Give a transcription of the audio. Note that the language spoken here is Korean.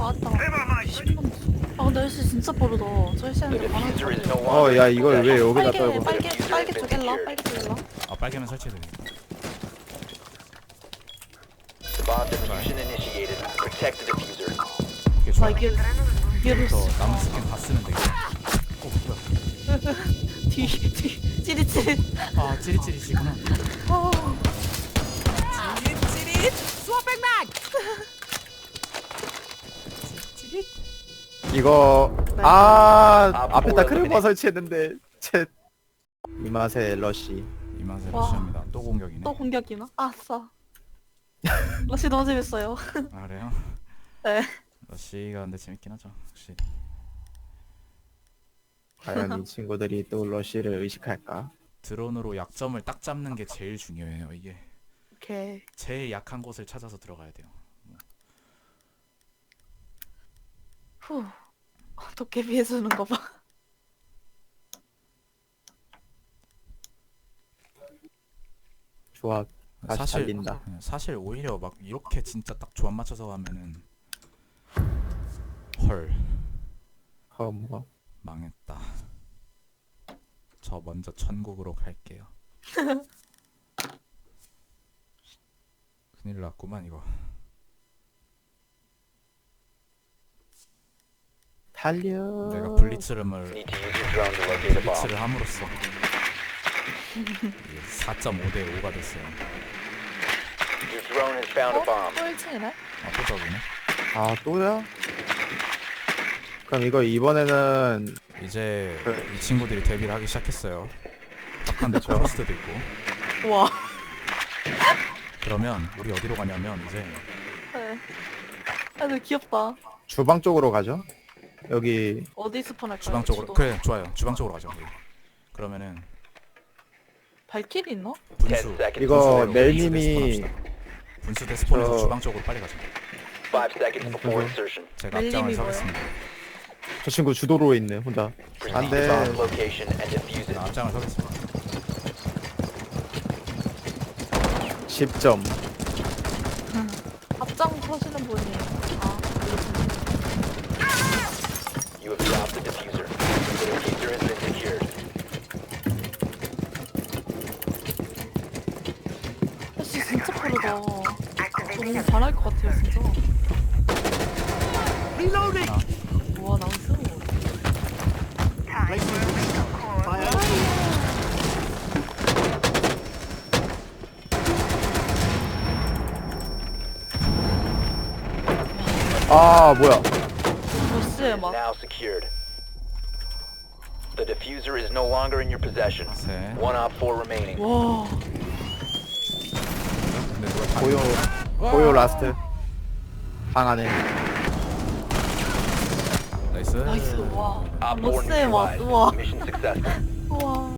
아따. 아 근데 헬스 진짜 빠르다. 저 헬스하는데 많아. 야 이걸 왜 여기다 떨고? 빨개 쪼갤라. 빨개 쪼갤라. 아 빨개면 설치해도 돼. Bomb diffusion initiated. Protect the diffuser. 오케이 나 좋아. 이게 또 남은 스킨 다 쓰면 되겠다. 뭐야? 뒤 찌릿찌릿. 아 찌릿찌릿이구나. 찌릿찌릿. 수아백맥. 이거 네. 앞에다 크레버 설치했는데 챗 이 맛에 러쉬. 이 맛에 와. 러시합니다. 또 공격이네. 또 공격이나? 아싸. 러시 너무 재밌어요. 아 그래요? 네. 러시가 근데 재밌긴 하죠. 확실히. 과연 이 친구들이 또 러쉬를 의식할까? 드론으로 약점을 딱 잡는 게 제일 중요해요. 이게 오케이. 제일 약한 곳을 찾아서 들어가야 돼요. 후. 도깨비 해주는 거 봐. 좋아. 다시 사실 달린다. 사실 오히려 막 이렇게 진짜 딱 조합 맞춰서 하면은 헐 뭐. 망했다. 저 먼저 천국으로 갈게요. 큰일 났구만 이거. 달려. 내가 블리츠를 Need to use your drone to locate a bomb. 블리츠를 함으로써 4.5대 5가 됐어요. Your drone has found a bomb. 또 1층이네? 아 또 저기네. 아 또야? 그럼 이거 이번에는 이제 그래. 이 친구들이 데뷔를 하기 시작했어요. 딱한데 프로스트도 있고. 우와. 그러면 우리 어디로 가냐면 이제 네. 아 근데 귀엽다. 주방 쪽으로 가죠. 여기 어디 스폰할까요? 주방 쪽으로. 주도. 그래 좋아요. 주방 쪽으로 가죠. 우리. 그러면은 발길이 있나? 분수 10 seconds. 이거 분수대로 멜님이 분수대 스폰에서 저- 주방 쪽으로 빨리 가죠. 5 seconds before insertion. 제가 멜님이 앞장을 뭐예요? 서겠습니다. 저 친구 주도로에 있네 혼자. Proceed 안 to 돼. bomb location and defuse 제가 it. 앞장을 서겠습니다. 10점. 앞장 서시는 분이. 아, You have dropped the diffuser. The diffuser has been secured. 헬스 진짜 빠르다. 너무 잘할 것 같아요, 진짜. 우와, 나이스. 뭐야? 버스에 막. Now secured. The diffuser is no longer in your possession. 셋. One op 4 remaining. 와. 근데 누가 다 고요 라스트. 방 안에. 나이스. 나이스, 와. Op 4 버스에 막, neutralized. 우와. Mission successful. 우와.